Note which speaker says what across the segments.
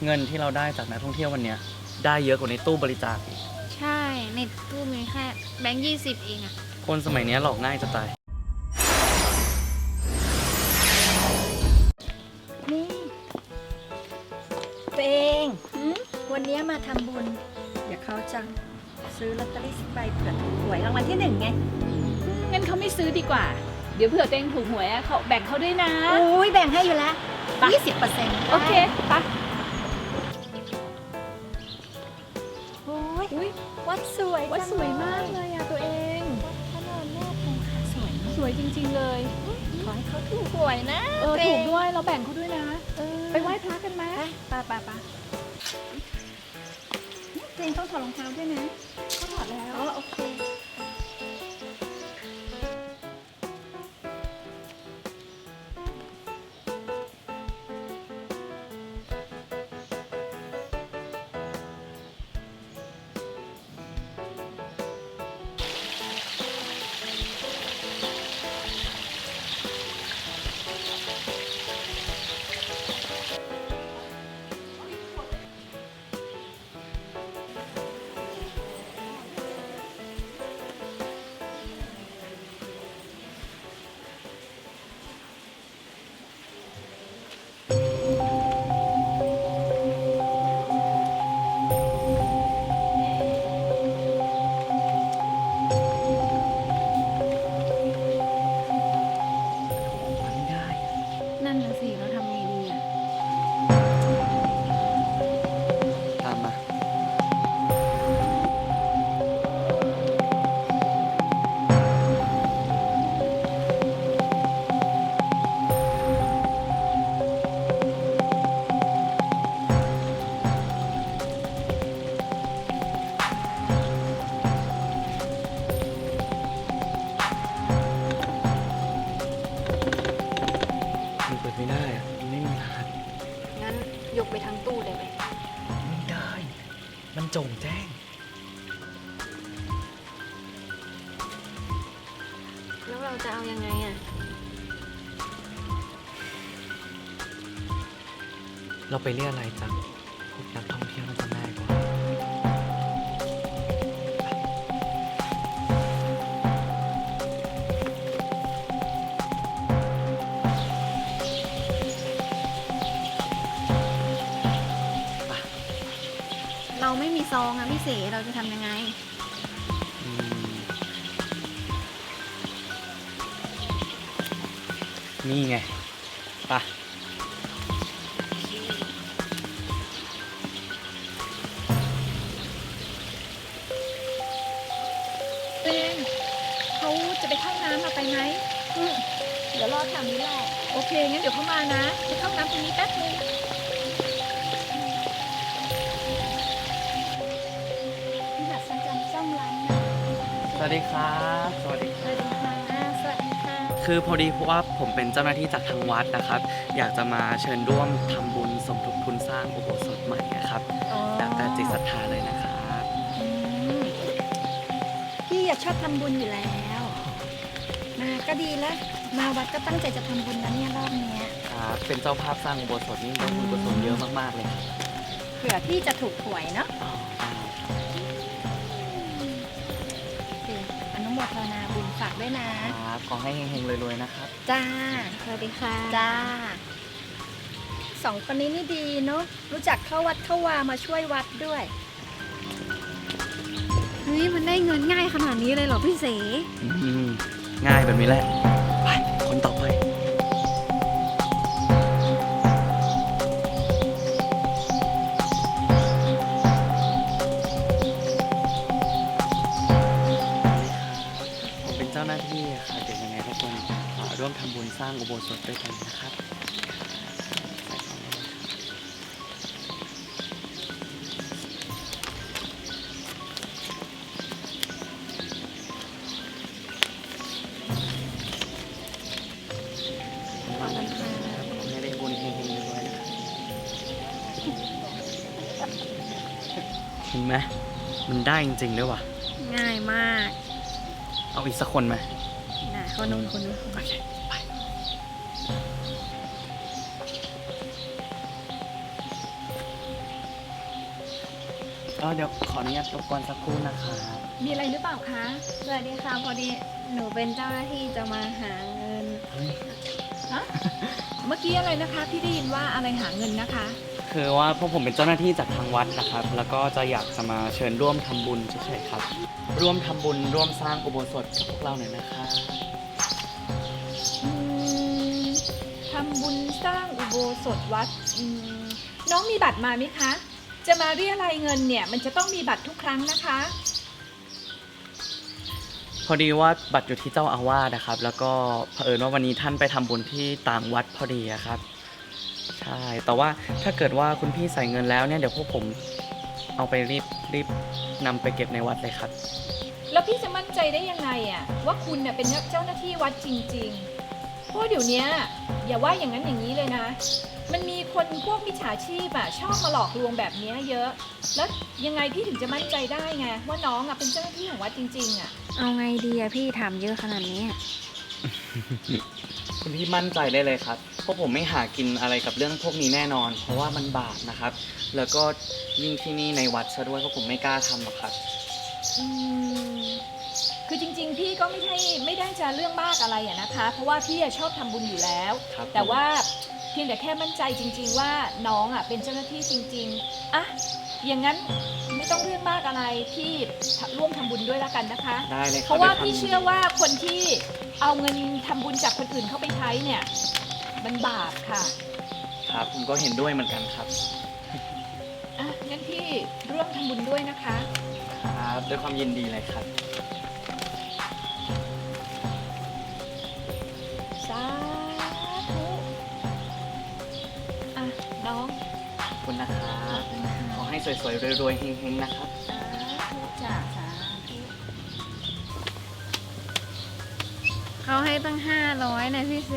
Speaker 1: เงินที่เราได้จากนักท่องเที่ยววันเนี้ยได้เยอะกว่าในตู้บริจาคอีก
Speaker 2: ใช่ในตู้มีแค่แบงค์20เองอะ
Speaker 1: คนสมัยนี้หลอกง่ายจะตาย
Speaker 3: นี่ตัวเองวันนี้มาทำบุญเดี๋ยวเขาจะซื้อลอตเตอรี่10 ใบเผื่อถูกหวยรางวัลที่ 1ไง
Speaker 4: งั้นเขาไม่ซื้อดีกว่า เดี๋ยวเผื่อตัวเองถูกหวยเขาแบ่งเขาด้วยนะ
Speaker 3: โอ้ยแบ่งให้อยู่แล้ว
Speaker 4: ไป
Speaker 3: 20%
Speaker 4: โอเคปะ
Speaker 3: โอ้ย
Speaker 4: อุ้ย
Speaker 3: วัดสวย
Speaker 4: วัด
Speaker 3: จัง
Speaker 4: สวยมากเลยอะตัวเอง
Speaker 3: พระนอนแม่คงคาสวยเนอะ
Speaker 4: สวยจริงๆเลย
Speaker 3: ขอให้เขาถูกหวยนะ
Speaker 4: ถูกด้วยเราแบ่งเขาด้วยนะ ไปไหว้พระกันไหม
Speaker 3: ไปตัวเองต้องถอดรองเท้าด้วยนะ
Speaker 4: เขาถอดแล้ว
Speaker 3: อ๋อโอเค
Speaker 1: ไม่ได้
Speaker 2: นั่นน่ะสิเราทำไงดีอะ
Speaker 1: ตามมามันเปิดไม่ได้อะมันไม่มีรหัส
Speaker 2: งั้นยกไปทั้งตู้เลยไหม
Speaker 1: ไม่ได้ มันโจงแจ้ง
Speaker 2: แล้วเราจะเอายังไงอะ
Speaker 1: เราไปเรียกอะไรจากพวกนักท่องเที่ยวน่าจะง่ายกว่า
Speaker 2: เราไม่มีซองอะพี่เสเราจะทำยังไง
Speaker 1: อืมนี่ไงไปะ
Speaker 4: ตัวเองเขาจะไปเข้าน้ำมาไปไหม
Speaker 3: เดี๋ยวรอแถวนี้แหละ
Speaker 4: โอเคงั้นเดี๋ยวเขามานะไปเข้าน้ำตรงนี้แป๊บนึง
Speaker 3: พี่หัดสัญจรซ่อมร้านนะ
Speaker 1: สวัสดีครับ สวัสดีค
Speaker 3: ส
Speaker 1: รับ
Speaker 3: วัสดีค่ะสวัสดีค่ะ
Speaker 1: คือพอดีเพราะว่าผมเป็นเจ้าหน้าที่จากทางวัดนะครับ อยากจะมาเชิญร่วมทำบุญสมทบทุนสร้างอุโบสถใหม่นะครับ
Speaker 3: อ๋อ
Speaker 1: แล้วแต่จิตศรัทธาเลยนะครับ
Speaker 3: อืมพี่อยากชอบทำบุญอยู่แล้ว มาก็ดีแล้ว มาวัดก็ตั้งใจจะทำบุญนะเนี่ยรอบเนี้ย
Speaker 1: ครับเป็นเจ้าภาพสร้างอุโบสถนี่ได้บุญกุศลเยอะมากๆเลยครับ
Speaker 3: เผื่อพี่จะถูกหวยเนาะ
Speaker 1: อ๋อได้
Speaker 3: สิอนุโมทนาบุญฝากด้วยนะ
Speaker 1: ครับขอให้เฮงๆรวยๆนะครับ
Speaker 3: จ้า
Speaker 2: สวัสดีค่ะ
Speaker 3: จ้าสองคนนี้นี่ดีเนาะรู้จักเข้าวัดเข้าวามาช่วยวัดด้วย
Speaker 2: เฮ้ยมันได้เงินง่ายขนาดนี้เลยเหรอพี่เส
Speaker 1: อืมง่ายแบบนี้แหละ ไป คนต่อไป ผมเป็นเจ้าหน้าที่ค่ะเดี๋ยวยังไงทุกคนร่วมทำบุญสร้างอุโบสถด้วยกันนะครับขอให้ได้บุญเฮงๆรวยๆนะครับเห็นไหมมันได้จริงๆด้วยว่ะ
Speaker 2: ง่ายมาก
Speaker 1: เอาอีกสักคนไหม
Speaker 2: นะคนนู้น
Speaker 1: โอเค ไป
Speaker 3: พ
Speaker 1: เดี๋ยวขออนุญาตรบกวนสักครู่นะครับ
Speaker 4: มีอะไรหรือเปล่าคะ
Speaker 2: สวัสดีค่ะพอดีหนูเป็นเจ้าหน้าที่จะมาหาเงิน
Speaker 4: ฮะ เมื่อกี้อะไรนะคะ พี่ได้ยินว่าอะไรหาเงินนะคะ
Speaker 1: คือว่าพวกผมเป็นเจ้าหน้าที่จากทางวัดนะครับ แล้วก็จะอยากจะมาเชิญร่วมทำบุญเฉยๆครับ ร่วมทำบุญร่วมสร้างอุโบสถกับพวกเราหน่อยนะคะ
Speaker 4: ทำบุญสร้างอุโบสถวัดน้องมีบัตรมาไหมคะ จะมาเรียรายเงินเนี่ยมันจะต้องมีบัตรทุกครั้งนะคะ
Speaker 1: พอดีว่าบัตรอยู่ที่เจ้าอาวาสนะครับ แล้วก็เผอิญว่าวันนี้ท่านไปทำบุญที่ต่างวัดพอดีอะครับ ใช่ แต่ว่าถ้าเกิดว่าคุณพี่ใส่เงินแล้วเนี่ยเดี๋ยวพวกผมเอาไปรีบนำไปเก็บในวัดเลยครับ
Speaker 4: แล้วพี่จะมั่นใจได้ยังไงอะว่าคุณเน่ยเป็นเจ้าหน้าที่วัดจริงๆ เพราะเดี๋ยวเนี้ยอย่าว่าอย่างนั้นอย่างนี้เลยนะ มันมีคนพวกมิจฉาชีพอะชอบมาหลอกลวงแบบเนี้ยเยอะ แล้วยังไงพี่ถึงจะมั่นใจได้ไงว่าน้องอะเป็นเจ้าหน้าที่ของวัดจริงๆอะ
Speaker 2: เอาไงดีอะพี่ถามเยอะขนาดนี้
Speaker 1: คุณพี่มั่นใจได้เลยครับเพราะผมไม่หากินอะไรกับเรื่องพวกนี้แน่นอน เพราะว่ามันบาปนะครับ แล้วก็ยิ่งที่นี่ในวัดซะด้วยเพราะผมไม่กล้าทำหรอกครับ
Speaker 4: คือจริงๆ พี่ก็ไม่ได้จะเรื่องมากอะไรอะนะคะ เพราะว่าพี่อะชอบทำบุญอยู่แล้ว
Speaker 1: ครับ
Speaker 4: แต่ว่าเพียงแต่แค่มั่นใจจริง ๆ ว่าน้องอะเป็นเจ้าหน้าที่จริงๆอะอย่างนั้นไม่ต้องเรื่องมากอะไรพี่ร่วมทำบุญด้วยละกันนะคะ
Speaker 1: ได้เลยค
Speaker 4: เพ
Speaker 1: รับ
Speaker 4: ราะว่า
Speaker 1: ดี๋ย
Speaker 4: พี่เชื่อว่าคนที่เอาเงินทำบุญจากคนอื่นเข้าไปใช้เนี่ยมันบาปค่ะ
Speaker 1: ครับผมก็เห็นด้วยเหมือนกันครับ
Speaker 4: อ่ะงั้นพี่ร่วมทำบุญด้วยนะคะ
Speaker 1: ครับด้วยความยินดีเลยครับ
Speaker 4: สาธุอ่ะน้อง
Speaker 1: ขอบคุณนะครับ ขอให้สวยๆรวยๆเฮงๆนะครับ
Speaker 4: สาธุจ้ะสาธุ
Speaker 2: เขาให้ตั้ง500นะพี่เส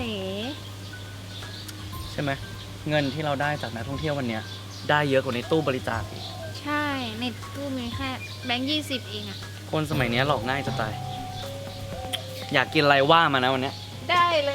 Speaker 1: ใช่ไหมเงินที่เราได้จากนักท่องเที่ยววันเนี้ยได้เยอะกว่าในตู้บริจาคอีก
Speaker 2: ใช่ในตู้มีแค่แบงค์20เองอะ
Speaker 1: คนสมัยเนี้ยหลอกง่ายจะตาย อยากกินอะไรว่ามานะวันเนี้ย
Speaker 2: ได้เลย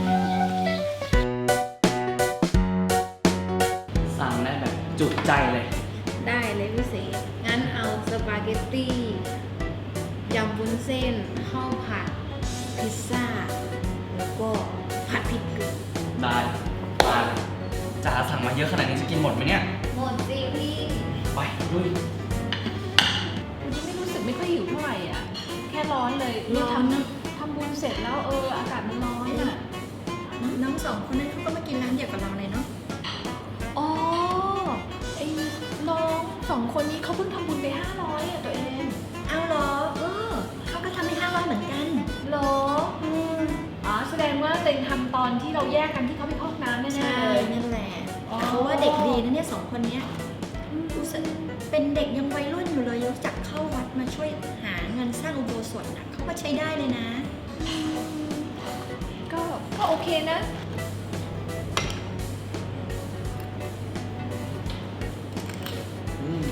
Speaker 1: สั่งได้แบบจุใจเลย
Speaker 2: ได้เลยพี่เสงั้นเอาสปาเกตตี้ยำวุ้นเส้นข้าวผัด พิซซ่า แล้วก็ผัดพริกเกลือ
Speaker 1: ได้มาจ๋าสั่งมาเยอะขนาดนี้จะกินหมดไหมเนี่ย
Speaker 2: หมดสิพี่
Speaker 1: ไปลุย
Speaker 4: วันนี้ไม่รู้สึกไม่ค่อยหิวเท่าไหร่อ่ะ แค่ร้อนเลยเนี่ย
Speaker 2: ร้อนนะ
Speaker 4: ทำบุญเสร็จแล้วอากาศมันร้อนอ่ะ
Speaker 3: น้องสองคนนั้นเขาก็มากินร้านเดียวกับเราเลยเนาะ
Speaker 4: อ๋อไอ้น้องสองคนนี้เขาเพิ่งทำบุญไป500อ่ะตัวเอง
Speaker 3: เอาเหรอเขาก็ทำให้500เหมือนกัน
Speaker 4: เหรออ๋อแสดงว่าเต็งทำตอนที่เราแยกกันที่เขาไปพอกน้ำแน่
Speaker 3: ใช่
Speaker 4: ๆเลย
Speaker 3: นั่นแหละ
Speaker 4: อ๋อ
Speaker 3: เขาว่าเด็กดีนะเนี่ยสองคนเนี้ยรู้สึกเป็นเด็กยังวัยรุ่นอยู่เลยรู้จักเข้าวัดมาช่วยหาเงินสร้างอุโบสถนะเขาก็ใช้ได้เลยนะ
Speaker 4: ก็โอเคนะ
Speaker 1: อืม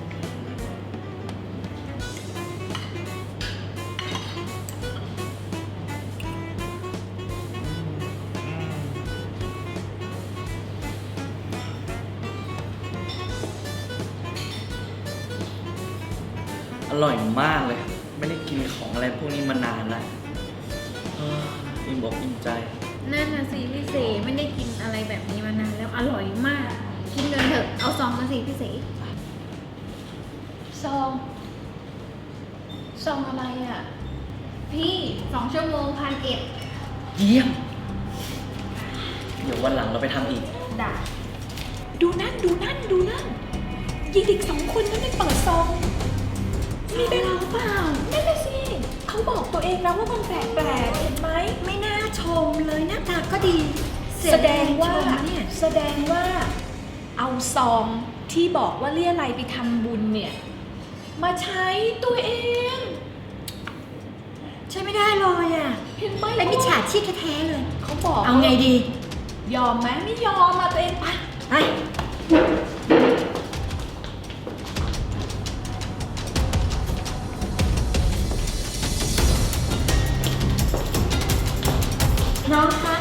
Speaker 1: อร่อยมากเลย ไม่ได้กินของอะไรพวกนี้มานานแล้วอิ่มอกอิ่มใจ
Speaker 2: นั่นนะสิพี่เสไม่ได้กินอะไรแบบนี้มานานแล้วอร่อยมาก กินเลยเถอะเอาซองมาสิพี่เส
Speaker 4: ซองอะไรอ่ะ
Speaker 2: พี่2 ชั่วโมง1,100
Speaker 1: เยี่ยม เดี๋ยววันหลังเราไปทำอีก
Speaker 2: ด่า
Speaker 4: ดูนั่นยีเด็กสองคนนั้นไม่เปิดซองมีเป็นหรือเปล่านั่นน่ะสิเขาบอกตัวเองแล้วว่ามันแปลกๆเห็นไหม
Speaker 3: ไม่น่าชมเลยหน้าตาก็ดี
Speaker 4: แสดงว่า
Speaker 3: ชมเนี่ย
Speaker 4: แสดงว่าเอาซองที่บอกว่าเรียอะไรยไปทำบุญเนี่ย มาใช้ตัวเอง
Speaker 3: ใช่ไม่ได้เลยอ่ะ
Speaker 4: เห็นไหม
Speaker 3: เป็นมิจฉาชีพแท้ๆเลย
Speaker 4: เขาบอก
Speaker 3: เอาไงดี
Speaker 4: ยอมไหมไม่ยอมมาตัวเองไป
Speaker 3: ไปน้องคะ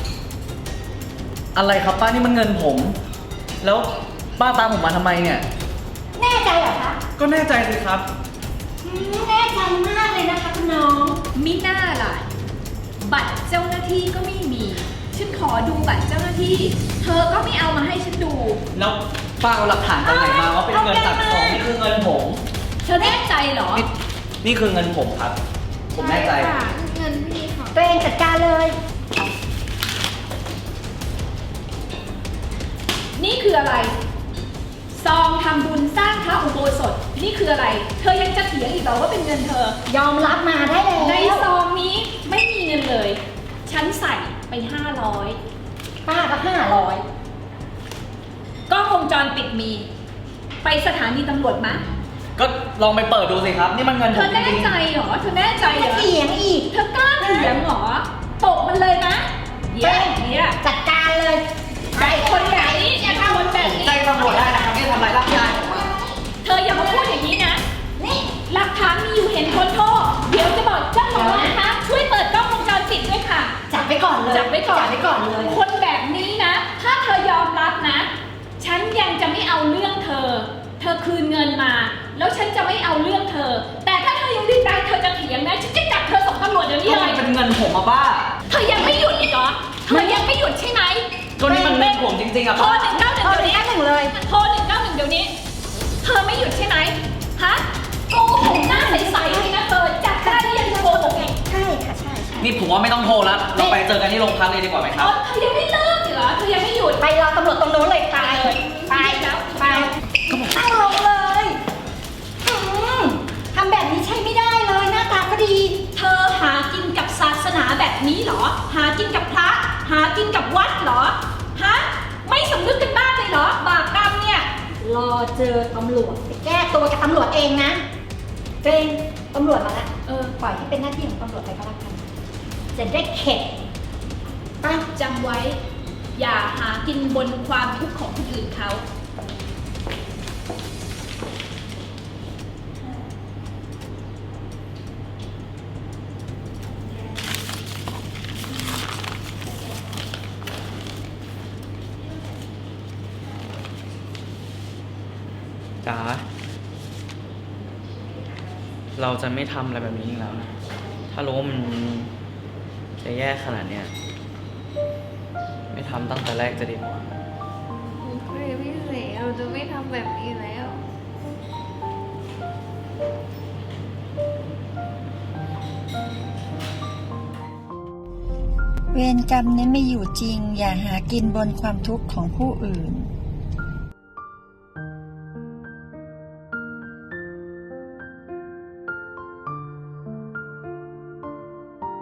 Speaker 1: อะไรครับป้านี่มันเงินผม แล้วป้าตามผมมาทำไมเนี่ย
Speaker 3: แน่ใจเหรอคะ
Speaker 1: ก็แน่ใจสิครับ
Speaker 3: แน่ใจมากเลยนะคะคุณน้อง
Speaker 4: มิน่าล่ะ บัตรเจ้าหน้าที่ก็ไม่มี ฉันขอดูบัตรเจ้าหน้าที่ เธอก็ไม่เอามาให้ฉันดู
Speaker 1: แล้วป้าเอาหลักฐานจากไหนมาว่าเป็นเงินตัดของนี่คือเงินผม
Speaker 4: เธอแน่ใจเหรอ
Speaker 1: นี่คือเงินผมครับ ผมแน่ใจ
Speaker 2: ค่ะเงินพี่ค่ะ
Speaker 3: ตัวเองจัดการเลย
Speaker 4: นี่คืออะไร ซองทำบุญสร้างพระอุโบสถ นี่คืออะไร เธอยังจะเถียงอีกเหรอว่าเป็นเงินเธอ
Speaker 3: ยอมรับมาได้แล้ว
Speaker 4: ในซองนี้ไม่มีเงินเลย ฉันใส่ไป 500
Speaker 3: ป้าก็500
Speaker 4: กล้องวงจรปิดมี ไปสถานีตำรวจมะ
Speaker 1: ก็ลองไปเปิดดูสิครับ นี่มันเงิน
Speaker 4: เธ
Speaker 1: ผม
Speaker 4: อ
Speaker 1: จ
Speaker 4: แน่
Speaker 1: ริง
Speaker 4: ใจเหรอ เธอแน่ใจเหรอ
Speaker 3: เถียงอีก
Speaker 4: เธอกล้าเถียงเหรอ ตกมันเลยนะเดี๋ยว
Speaker 3: จัดการเลย
Speaker 4: ไอ้คนแบบนี้อย่าทำคนแบบ
Speaker 1: ๆ
Speaker 4: นี้
Speaker 1: แจ้งตำรวจได้นะครับที่ทำลายร่างกายผมอะ
Speaker 4: เธออย่ามาพูดอย่างนี้นะ นี่หลักฐานมีอยู่เห็นคนโทษ เดี๋ยวจะบอกเจ้าของร้านนะคะ ช่วยเปิดกล้องวงจรปิดด้วยค่ะ
Speaker 3: จับไว้ก่อนเลย
Speaker 4: จับไว้ก่อน
Speaker 3: จับไว้ก่อนเลย
Speaker 4: คนแบบนี้นะ ถ้าเธอยอมรับนะ ฉันยังจะไม่เอาเรื่องเธอ เธอคืนเงินมา แล้วฉันจะไม่เอาเรื่องเธอ แต่ถ้าเธอยังดิ้นได้เธอจะเถียงนะ ฉันจะจับเธอส่งตำรวจเดี๋ยวนี้
Speaker 1: ก็
Speaker 4: เล
Speaker 1: มัน
Speaker 4: ย
Speaker 1: เป็นเงินผมอะป้า
Speaker 4: เธอยังไม่หยุดอีกเหรอ เธอยังไม่หยุดใช่ไหม
Speaker 1: ก็นี่มันเงินผมจริงๆอะ
Speaker 4: โทร
Speaker 1: ป้า
Speaker 4: 191
Speaker 3: โทร
Speaker 4: เดี๋ยวนี้
Speaker 3: 191เลย
Speaker 4: โทร191เดี๋ยวนี้ เธอไม่หยุดใช่ไหมฮะโกหกหน้าใสๆเลยนะเธอจับได้หรือยังจะโกหกเอง
Speaker 3: ใช่ค่ะใช่ใช่
Speaker 1: นี่ผมว่าไม่ต้องโทรแล้ว เราไปเจอกันที่โรงพักเลยดีกว่าไหมครับ
Speaker 4: เธอยังไม่เลิกอีกเหรอ เธอยังไม่หยุด
Speaker 3: ไปรอตำรวจตรงโน้นเลยไป
Speaker 4: ไปแล้ว
Speaker 3: ไปตั้งลงเลยอืมทำแบบนี้ใช่ไม่ได้เลยหน้าตาก็ดี
Speaker 4: เธอหากินกับศาสนาแบบนี้เหรอ หากินกับพระ หากินกับวัดเหรอ ฮะ ไม่สำนึกกันบ้างเลยเหรอ บาปกรรมเนี่ย
Speaker 3: รอเจอตำรวจไปแก้ตัวกับตำรวจเองนะตัวเองตำรวจมาแล้ว ปล่อยให้เป็นหน้าที่ของตำรวจไปก็แล้วกัน จะได้เข็ดไป
Speaker 4: จำไว้ อย่าหากินบนความทุกข์ของคนอื่นเขา
Speaker 1: จ๋า เราจะไม่ทำอะไรแบบนี้อีกแล้วนะ ถ้ารู้ว่ามันจะแย่ขนาดเนี้ย ไม่ทำตั้งแต่แรกจะดีกว่า
Speaker 2: โอเคพี่เสกเราจะไม่ทำแบบนี้แล้ว
Speaker 3: เวรกรรมนี้ไม่อยู่จริง อย่าหากินบนความทุกข์ของผู้อื่น